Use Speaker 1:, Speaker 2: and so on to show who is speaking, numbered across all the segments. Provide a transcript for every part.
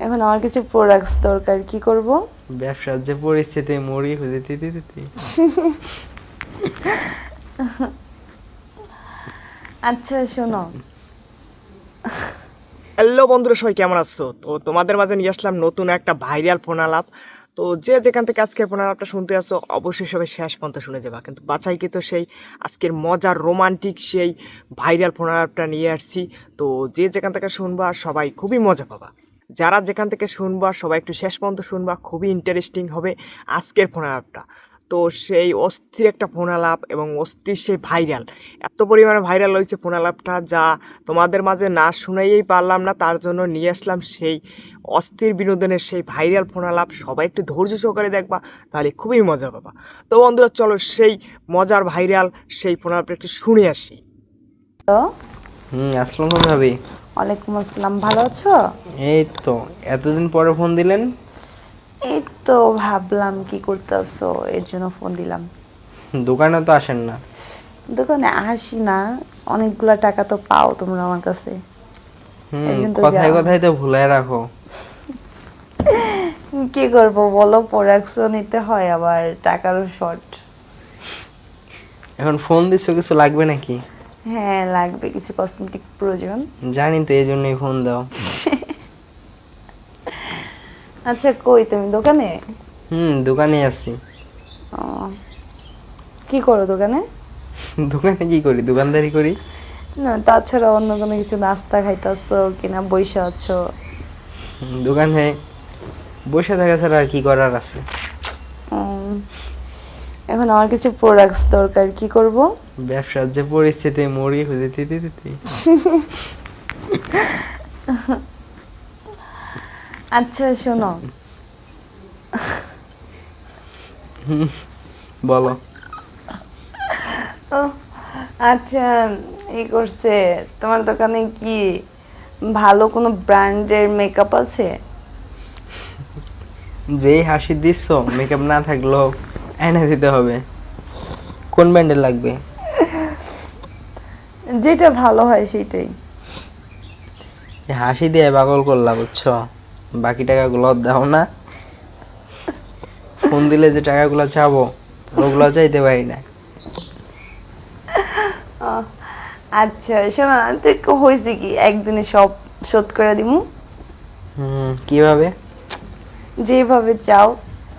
Speaker 1: এখন আমার কিছু প্রোডাক্টস দরকার, কি করব?
Speaker 2: ব্যবসার যে পরিস্থিতি মরি হয়ে দিতে।
Speaker 1: আচ্ছা শোনো,
Speaker 3: হ্যালো বন্ধুরা, সবাই কেমন আছো? তো তোমাদের মাঝে নিয়ে আসলাম নতুন একটা ভাইরাল ফোন আলাপ। তো যে যেখান থেকে আজকে ফোন আলাপটা শুনতে আসছো অবশ্যই সবাই শেষ পর্যন্ত শুনে যাবা, কিন্তু বাছাই কিন্তু সেই আজকের মজার রোমান্টিক সেই ভাইরাল ফোন আলাপটা নিয়ে আসছি। তো যে যেখান থেকে শুনবা সবাই খুবই মজা পাবা। যারা যেখান থেকে শুনবা সবাই একটু শেষ পর্যন্ত শুনবা, খুবই ইন্টারেস্টিং হবে আজকের ফোন আলাপটা। তো সেই অস্থির একটা ফোন আলাপ এবং অস্থির সেই ভাইরাল, এত পরিমাণে ভাইরাল হয়েছে ফোন আলাপটা, যা তোমাদের মাঝে না শুনাইয়েই পারলাম না। তার জন্য নিয়ে আসলাম সেই অস্থির বিনোদনের সেই ভাইরাল ফোন আলাপ। সবাই একটু ধৈর্য সহকারে দেখবা, তাহলে খুবই মজা পাবা। তো বন্ধুরা চলো সেই মজার ভাইরাল সেই ফোন আলাপটা একটু শুনে আসি।
Speaker 1: তো
Speaker 2: আসসালামু ভাবি।
Speaker 1: ওয়ালাইকুম আসসালাম, ভালো আছো?
Speaker 2: এই তো এতদিন পরে ফোন দিলেন।
Speaker 1: এই তো ভাবলাম কি করতেছো, এর জন্য ফোন দিলাম।
Speaker 2: দোকানে তো আসেন না।
Speaker 1: দোকানে আসি না, অনেকগুলা টাকা তো পাও তোমরা আমার কাছে। এই জন্য তো
Speaker 2: কথায়
Speaker 1: যাও।
Speaker 2: কথায় তো ভুলায় রাখো।
Speaker 1: কি করবো বলো, প্রোডাক্টসও নিতে হয়, আবার টাকারও শর্ট।
Speaker 2: এখন ফোন দিছো, কিছু লাগবে নাকি?
Speaker 1: হ্যাঁ লাগবে, কিছু কসমেটিক প্রয়োজন।
Speaker 2: জানি তো, এই জন্যই ফোন দাও।
Speaker 1: আচ্ছা কই তুমি, দোকানে?
Speaker 2: দোকানে আছি।
Speaker 1: ও, কি করো দোকানে?
Speaker 2: দোকানে কি করি? দোকানদারি করি।
Speaker 1: না তাছাড়া অন্য কোনো কিছু, নাস্তা খাইতেছো কিনা বইসা আছো?
Speaker 2: দোকানে বসে থাকা ছাড়া আর কি করার আছে?
Speaker 1: উম, এখন আমার কিছু প্রোডাক্টস দরকার, কি করব?
Speaker 2: ব্যবসার যে পরিস্থিতি মরি হয়ে দিতে।
Speaker 1: আচ্ছা শোনো,
Speaker 2: বলো।
Speaker 1: ও, আচ্ছা এই করছে, তোমার দোকানে কি ভালো কোনো ব্র্যান্ডের মেকআপ আছে?
Speaker 2: যেই হাসি দিচ্ছ, মেকআপ না থাকলেও এনে দিতে হবে। কোন ব্র্যান্ডের লাগবে?
Speaker 1: যেটা ভালো হয় সেটাই।
Speaker 2: এই হাসি দিয়ে পাগল করলা, বুঝছো? বাকি টাকাগুলো দাও না। ফোন দিলে যে টাকাগুলো চাবো ওগুলো চাইতে পারি না।
Speaker 1: আহ, আচ্ছা শোনো না, তো হয়েছে কি, একদিনে সব শোধ করে দিমু।
Speaker 2: কিভাবে?
Speaker 1: যেভাবে চাও।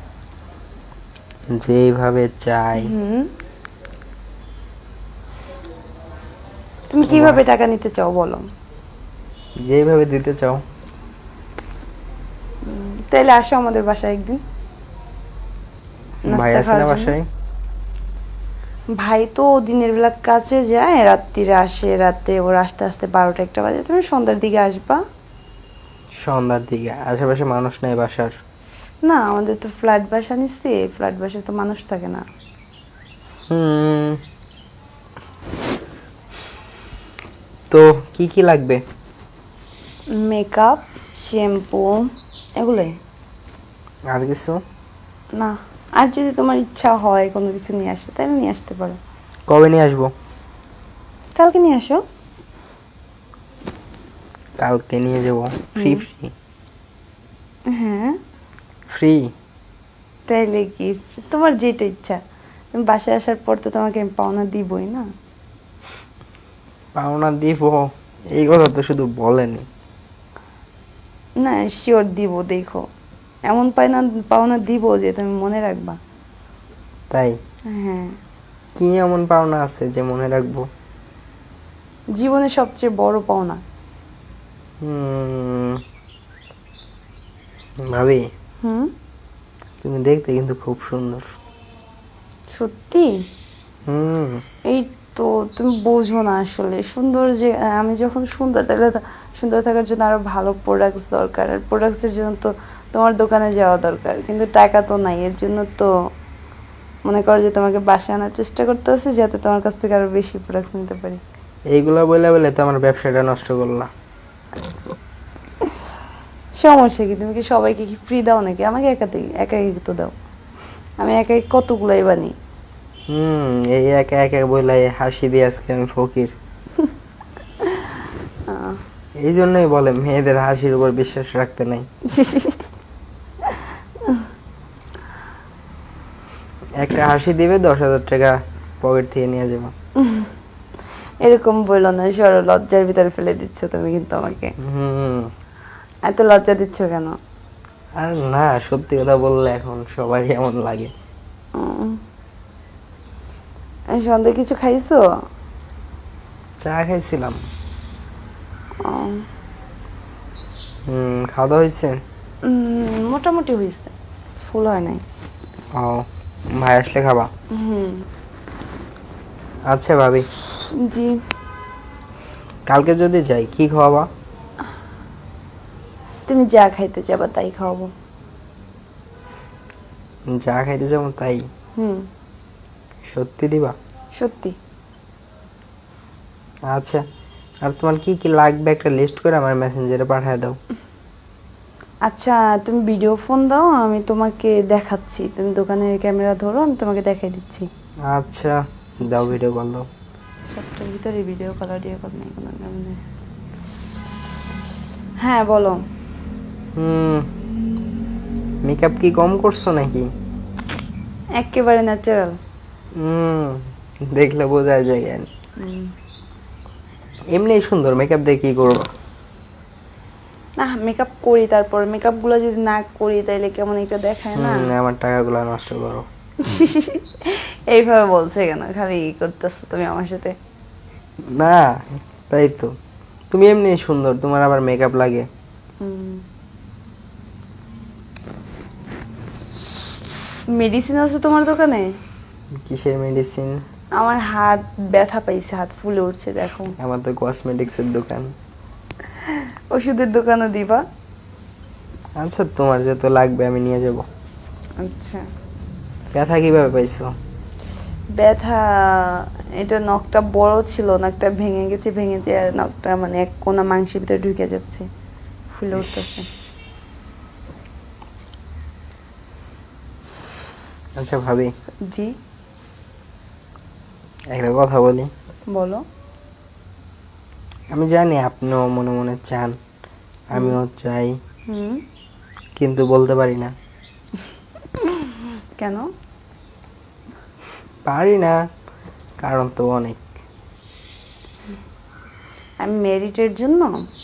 Speaker 2: যেভাবে চাই।
Speaker 1: হুম, তুমি কিভাবে টাকা নিতে চাও বলো?
Speaker 2: যেভাবে দিতে চাও।
Speaker 1: তাইলে আসো আমাদের বাসায় একদিন
Speaker 2: ভাই
Speaker 1: নাস্তা
Speaker 2: আছে না
Speaker 1: খাওয়ার জন্য।
Speaker 2: বাসায়?
Speaker 1: ভাই তো দিনের বেলা কাজে যায়, রাত্রিরে আসে, রাতে ওর আসতে আসতে 12টা 1টা বাজে। তুমি সন্ধ্যার দিকে আসবা।
Speaker 2: সন্ধ্যার দিকে? আশেপাশে মানুষ নাই বাসার?
Speaker 1: না আমাদের তো ফ্ল্যাট বাসা নিচ্ছি, ফ্ল্যাট বাসায় তো মানুষ থাকে না।
Speaker 2: হুম তো কি কি লাগবে?
Speaker 1: মেকআপ, শ্যাম্পু, এগুলোই।
Speaker 2: আর কিছু?
Speaker 1: না, আর যদি তোমার ইচ্ছা হয় কোনো কিছু নিয়ে আসো তাহলে নিয়ে আসতে পারো।
Speaker 2: কবে নিয়ে আসবো?
Speaker 1: কালকে নিয়ে আসো।
Speaker 2: কালকে নিয়ে যাবো। ফ্রি?
Speaker 1: হ্যাঁ
Speaker 2: ফ্রি?
Speaker 1: তাইলে কি, তোমার যেটা ইচ্ছা। তুমি বাসায় আসার পর তো তোমাকে আমি পাওনা দিবই না।
Speaker 2: পাওনা দিব? এই কথা তো শুধু বলেনি।
Speaker 1: না শিওর দিব, দেখো এমন পাওনা দিব যে তুমি মনে রাখবা।
Speaker 2: তাই?
Speaker 1: হ্যাঁ,
Speaker 2: কি এমন পাওনা আছে যে মনে রাখবো?
Speaker 1: জীবনের সবচেয়ে বড় পাওনা।
Speaker 2: হুম ভাবি,
Speaker 1: হুম,
Speaker 2: তুমি দেখতে কিন্তু খুব সুন্দর।
Speaker 1: সত্যি?
Speaker 2: হুম
Speaker 1: এই তো তুমি বোঝো না আসলে, সুন্দর যে আমি যখন সুন্দর, তাহলে তো সুন্দর থাকার জন্য আরো ভালো প্রোডাক্টস দরকার, আর প্রোডাক্টসের জন্য তো তোমার দোকানে যাওয়া দরকার, কিন্তু টাকা তো নাই। এর জন্য তো মনে করো যে তোমাকে বাসায় আনার চেষ্টা করতে হচ্ছে, যাতে তোমার কাছ থেকে আরো বেশি প্রোডাক্ট নিতে পারি।
Speaker 2: এইগুলা বলে বলে তো আমার ব্যবসাটা নষ্ট করলা।
Speaker 1: সমস্যা কি, তুমি কি সবাইকে কি ফ্রি দাও নাকি? আমাকে একাই তো দাও, আমি একাই কতগুলাই বানি।
Speaker 2: এই একা একা বলে হাসি দিয়ে আজকে আমি ফকির। এই জন্যই বলে মেয়েদের হাসির উপর বিশ্বাস রাখতে নাই। একটা হাসি দিবে 10,000 টাকা পকেট থেকে নিয়ে যাবো।
Speaker 1: এরকম বললো না, সরো, লজ্জার ভিতরে ফেলে দিচ্ছ তুমি কিন্তু আমাকে।
Speaker 2: হুম।
Speaker 1: এত লজ্জা দিচ্ছ কেন?
Speaker 2: আর না, সত্যি কথা বললে এখন সবারই এমন লাগে।
Speaker 1: সন্ধ্যে কিছু খাইছো?
Speaker 2: চা খাইছিলাম।
Speaker 1: উম,
Speaker 2: খাওয়া দাওয়া হয়েছে?
Speaker 1: মোটামুটি হয়েছে, ফুল হয় নাই।
Speaker 2: ও, ভাই আসলে খাবা?
Speaker 1: হুম।
Speaker 2: আচ্ছা ভাবি,
Speaker 1: জি।
Speaker 2: কালকে যদি যাই কি খাওয়াবা?
Speaker 1: তুমি যা খাইতে যাবা তাই খাওয়াবো।
Speaker 2: যা খাইতে যাবো তাই?
Speaker 1: হুম।
Speaker 2: সত্যি দিবা?
Speaker 1: সত্যি।
Speaker 2: আচ্ছা, আর তোমার কি কি লাগবে একটা লিস্ট করে আমার মেসেঞ্জারে পাঠিয়ে দাও।
Speaker 1: আচ্ছা, তুমি ভিডিও ফোন দাও, আমি তোমাকে দেখাচ্ছি। তুমি দোকানের ক্যামেরা ধরো, আমি তোমাকে দেখাই দিচ্ছি।
Speaker 2: আচ্ছা, দাও, ভিডিও কল দাও।
Speaker 1: সবটার ভিতরে ভিডিও কল, অডিও কল নেই কোনো কারণে। হ্যাঁ বলো।
Speaker 2: মেকআপ কি কম করছো নাকি?
Speaker 1: একেবারে ন্যাচারাল।
Speaker 2: দেখলে বোঝা যায়। এমনি সুন্দর, মেকআপ দিয়ে কি করবো?
Speaker 1: না, মেকআপ করি, তারপর মেকআপ গুলো যদি না করি তাইলে কেমন একটা দেখায় না।
Speaker 2: আমার টাকাগুলো নষ্ট করো।
Speaker 1: এইভাবে বলছে কেন? খালি করতেছো তুমি আমার সাথে।
Speaker 2: না, তাই তো, তুমি এমনি সুন্দর, তোমার আবার মেকআপ লাগে?
Speaker 1: মেডিসিন আছে তোমার দোকানে?
Speaker 2: কিসের মেডিসিন?
Speaker 1: আমার হাত ব্যথা পাইছে, হাত ফুলে উঠছে, দেখো।
Speaker 2: আমার তো কসমেটিক্স এর দোকান।
Speaker 1: ওষুধের দোকানও দিবা?
Speaker 2: আচ্ছা, তোমার যেহেতু লাগবে আমি নিয়ে যাব।
Speaker 1: আচ্ছা।
Speaker 2: ব্যথা কিভাবে পাইছো?
Speaker 1: ব্যথা, এটা নখটা বড় ছিল, নখটা ভেঙে গেছে, ভেঙে আর নখটা মানে এক কোনা মাংসের ভিতরে ঢুকে যাচ্ছে, ফুলে উঠতেছে।
Speaker 2: আচ্ছা ভাবি,
Speaker 1: জি।
Speaker 2: একটা কথা বলি।
Speaker 1: বলো।
Speaker 2: আমি জানি আপনিও মনে মনে চান, আমিও চাই, কিন্তু বলতে পারি না।
Speaker 1: কেন?
Speaker 2: পারি না, কারণ তো অনেক।
Speaker 1: আমি মেরিটের জন্য।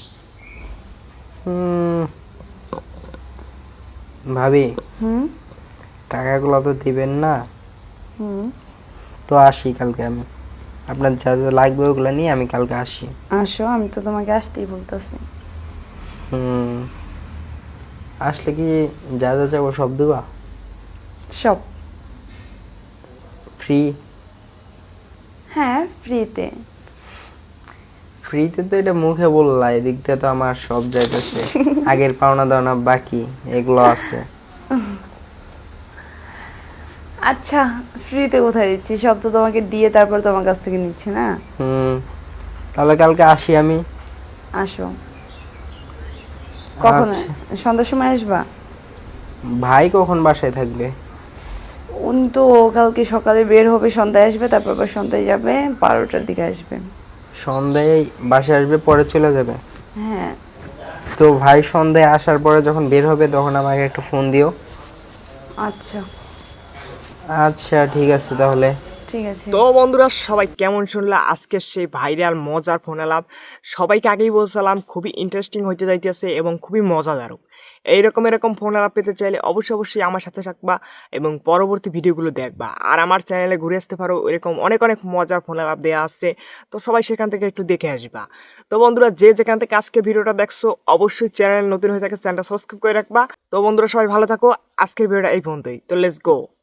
Speaker 2: ভাবি, টাকাগুলো তো দিবেন না, তো আসি কালকে আমি। আপনার যা যা লাগবে ওগুলো নিয়ে আমি কালকে আসি।
Speaker 1: আসো, আমি তো তোমাকে আসতেই বলতেছি।
Speaker 2: আসলে কি যা যা চাবো সব দেবা?
Speaker 1: সব।
Speaker 2: ফ্রি?
Speaker 1: হ্যাঁ, ফ্রিতে।
Speaker 2: ফ্রিতে তো এটা মুখে বললা, এদিক দিয়ে তো আমার সব যাইতেছে। আগের পাওনা দাওনা বাকি এগুলো আছে।
Speaker 1: আচ্ছা, ফ্রিতে কোথায় দিচ্ছি? সব তো তোমাকে দিয়ে তারপর তোমার কাছ থেকে নিচ্ছি না।
Speaker 2: তাহলে কালকে আসি আমি।
Speaker 1: আসো। কখন?
Speaker 2: আচ্ছা।
Speaker 1: সন্ধ্যার সময় আসবা?
Speaker 2: ভাই কখন বাসায় থাকবে?
Speaker 1: উনি তো কালকে সকালে বের হবে, সন্ধ্যায় আসবে, তারপর আবার সন্ধ্যায় যাবে, 12টার দিকে আসবে।
Speaker 2: সন্ধ্যায় বাসায় আসবে, পরে চলে যাবে?
Speaker 1: হ্যাঁ।
Speaker 2: তো ভাই সন্ধ্যায় আসার পরে যখন বের হবে তখন আমাকে একটা ফোন দিও।
Speaker 1: আচ্ছা।
Speaker 2: আচ্ছা ঠিক আছে তাহলে।
Speaker 1: ঠিক আছে।
Speaker 3: তো বন্ধুরা, সবাই কেমন শুনলা আজকের সেই ভাইরাল মজার ফোন আলাপ? সবাইকে আগেই বলছিলাম খুবই ইন্টারেস্টিং হইতে যাইতেছে এবং খুবই মজাদারক। এরকম ফোন আলাপ পেতে চাইলে অবশ্যই আমার সাথে থাকবা এবং পরবর্তী ভিডিওগুলো দেখবা। আর আমার চ্যানেলে ঘুরে আসতে পারো, এরকম অনেক মজার ফোন আলাপ দেওয়া আছে, তো সবাই সেখান থেকে একটু দেখে আসবা। তো বন্ধুরা, যে যেখান থেকে আজকে ভিডিওটা দেখছো অবশ্যই চ্যানেল নতুন হয়ে থাকে চ্যানেলটা সাবস্ক্রাইব করে রাখবা। তো বন্ধুরা, সবাই ভালো থাকো। আজকের ভিডিওটা এই পর্যন্তই। তো লেটস গো।